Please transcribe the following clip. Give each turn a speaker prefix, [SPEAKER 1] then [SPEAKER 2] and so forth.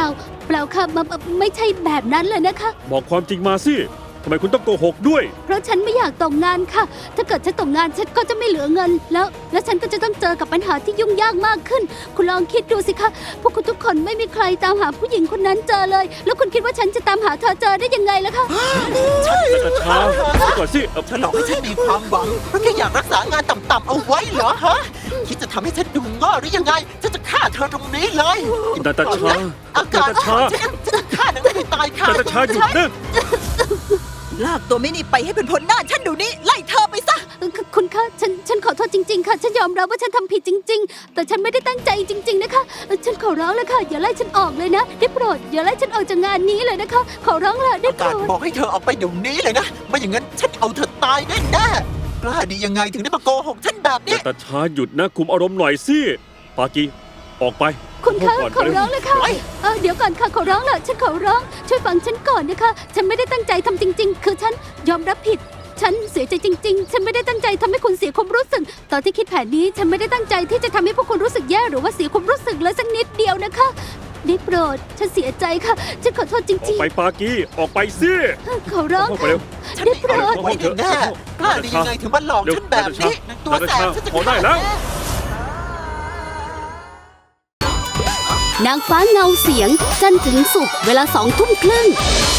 [SPEAKER 1] เปล่าค่ะไม่ใช่แบบนั้นเลยนะคะ
[SPEAKER 2] บอกความจริงมาสิทำไมคุณต้องโกหกด้วย
[SPEAKER 1] เพราะฉันไม่อยากตกงานค่ะ ถ้าเกิดฉันตกงานฉันก็จะไม่เหลือเงินแล้วฉันก็จะต้องเจอกับปัญหาที่ยุ่งยากมากขึ้น คุณลองคิดดูสิคะพวกคุณทุกคนไม่มีใครตามหาผู้หญิงคนนั้นเจอเลย แล้วคุณคิดว่าฉันจะตามหาเธอเจอได้ยังไงล่ะคะ
[SPEAKER 2] นาตาชาก่อนสิ
[SPEAKER 3] ฉันหลอกให้ฉันมีความหวังเพราะแค่อยากรักษางานต่ำๆเอาไว้เหรอฮะคิดจะทำให้ฉันดูง่อหรือยังไงฉันจะฆ่าเธอตรงนี้เลย
[SPEAKER 2] นาตาชา
[SPEAKER 3] อากาศ
[SPEAKER 2] นาตาชา
[SPEAKER 3] ฉันจะฆ่านางให้ตายค่ะ
[SPEAKER 2] นาตาชาหยุดนะ
[SPEAKER 4] ลากตัวไม่นี่ไปให้เป็นพ้นหน้าฉันเดี๋ยวนี้ไล่เธอไปซะ
[SPEAKER 1] คุณคะฉันขอโทษจริงๆค่ะ ฉันยอมรับว่าฉันทำผิดจริง ๆ แต่ฉันไม่ได้ตั้งใจจริง ๆนะคะฉันขอร้องเลยค่ะอย่าไล่ฉันออกเลยนะได้โปรดอย่าไล่ฉันออกจากงานนี้เลยนะคะ ขอร้องละได้
[SPEAKER 3] อา
[SPEAKER 1] โปร
[SPEAKER 3] กาศ
[SPEAKER 1] ด
[SPEAKER 3] บอกให้เธอออกไปเดี๋ยวนี้เลยนะไม่อย่างนั้นฉันเอาเธอตายแน่ๆกล้าดียังไงถึงได้มาโกหกฉันแบบนี้
[SPEAKER 2] นาตาชาหยุดนะคุมอารมณ์หน่อยสิปากีออกไป
[SPEAKER 1] คุณคะ
[SPEAKER 2] ก่อน
[SPEAKER 1] ขอร้องเลยค่ะ
[SPEAKER 3] ไป
[SPEAKER 1] เดี๋ยวก่อนค่ะขอร้องละฉันขอร้องช่วยฟังฉันก่อนนะคะ ฉันไม่ได้ตั้งใจทำจริง ๆ คือฉันยอมรับผิด ฉันเสียใจจริง ๆ ฉันไม่ได้ตั้งใจทำให้คุณเสียความรู้สึก ตอนที่คิดแผนนี้ฉันไม่ได้ตั้งใจที่จะทำให้พวกคุณรู้สึกแย่หรือว่าเสียความรู้สึกเลยสักนิดเดียวนะคะได้โปรดฉันเสียใจค่ะฉันขอโทษจ
[SPEAKER 2] ออก
[SPEAKER 1] ริง
[SPEAKER 2] ไปปากีออกไปสิ
[SPEAKER 1] ๆ ขอร้อง
[SPEAKER 2] เข้าไป
[SPEAKER 1] ค่ะ
[SPEAKER 2] เร็ว
[SPEAKER 3] ฉันไม่เอาไว้แน่ๆกล้าดียังไงถึงมาหลอกฉันแบบนี้ตัวแสบฉันจะ
[SPEAKER 2] พอได้แล้ว
[SPEAKER 1] นางฟ้าเงาเสียงจันทร์ถึงศุกร์เวลา20:30